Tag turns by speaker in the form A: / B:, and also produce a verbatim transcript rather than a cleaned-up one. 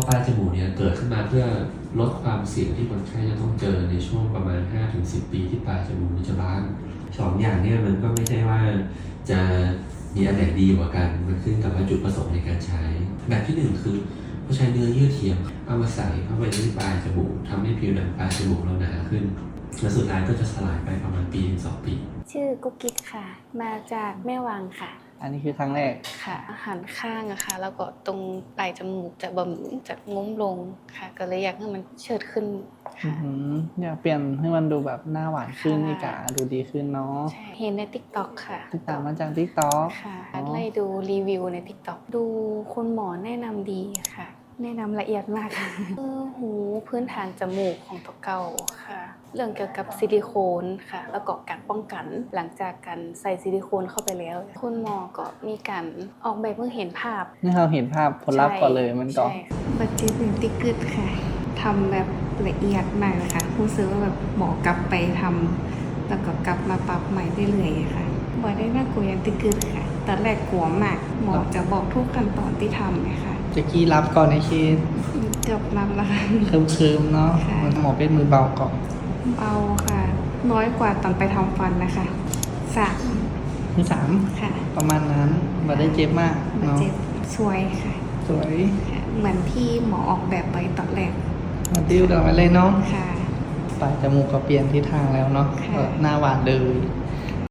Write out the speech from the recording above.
A: ปลายจมูกเนี่ยเกิดขึ้นมาเพื่อลดความเสี่ยงที่คนไข้จะต้องเจอในช่วงประมาณ ห้าถึงสิบ ปีที่ปลายจมูกจะบานสองอย่างเนี่ยมันก็ไม่ใช่ว่าจะมีอันไหนดีกว่ากันมันขึ้นกับว่าจุดประสงค์ในการใช้แบบที่หนึ่งคือเขาใช้เนื้อเยื่อเทียมเอามาใส่เข้าไปที่ปลายจมูกทำให้ผิวหนังปลายจมูกเราหนาขึ้นและสุดท้ายก็จะสลายไปประมาณปีถึงสองปี
B: ชื่อกุ๊กกิ๊กค่ะมาจากแม่วางค่ะ
C: อันนี้คือครั้งแรก
B: ค่ะหันข้างอะค่ะแล้วก็ตรงปลายจมูกจะบ่มจากงุ้มลงค่ะก็เลยอยากให้มันเชิดขึ้นค่ะ
C: อยากเปลี่ยนให้มันดูแบบหน้าหวานขึ้นนี่กะดูดีขึ้นเนาะ
B: เห็นใน ติ๊กต็อก ค่ะ
C: ติดตามมาจาก ติ๊กต็อก
B: ค่ะไล่ดูรีวิวใน ติ๊กต็อก ดูคุณหมอแนะนำดีค่ะแนะนำละเอียดมากค่ะคือหูพื้นฐานจมูกของตัวเก่าค่ะเรื่องเกี่ยวกับซิลิโคนค่ะแล้วก็การป้องกันหลังจากการใส่ซิลิโคนเข้าไปแล้วคุณหมอก็มีการออกแบบเพื่อเห็นภาพ
C: นี่เราเห็นภาพผลลัพธ์ก่อนเลยมันก็
B: บัจเจตติ๊กเกอร์ค่ะทำแบบละเอียดมากเลยค่ะรู้สึกว่าแบบหมอกลับไปทำแล้วก็กลับมาปรับใหม่เรื่อยๆค่ะบ่ได้น่ากลัวอย่างติ๊กเกอร์ค่ะตอนแรกกลัวมากหมอจะบอกทุกขั้นตอนที่ทำเลยค่ะ
C: จะกี้รับก่อนในชีต
B: เกือบรับแล้วค่ะ
C: เคิมๆเนาะหมอเป็นมือเบาก่อน
B: เบาค่ะน้อยกว่าตอนไปทำฟันนะคะสาม
C: มือสาม
B: ค่ะ
C: ประมาณนั้นมาได้เจ็บมาก
B: เนาะเจ็บสวยค่ะ
C: สวย
B: เหมือนที่หมอออกแบบไว้ตอนแรก
C: มาติ้วกันไว้เลยเนาะ
B: ค่ะ
C: ปลายจมูกก็เปลี่ยนทิศทางแล้วเนาะหน้าหวานเลย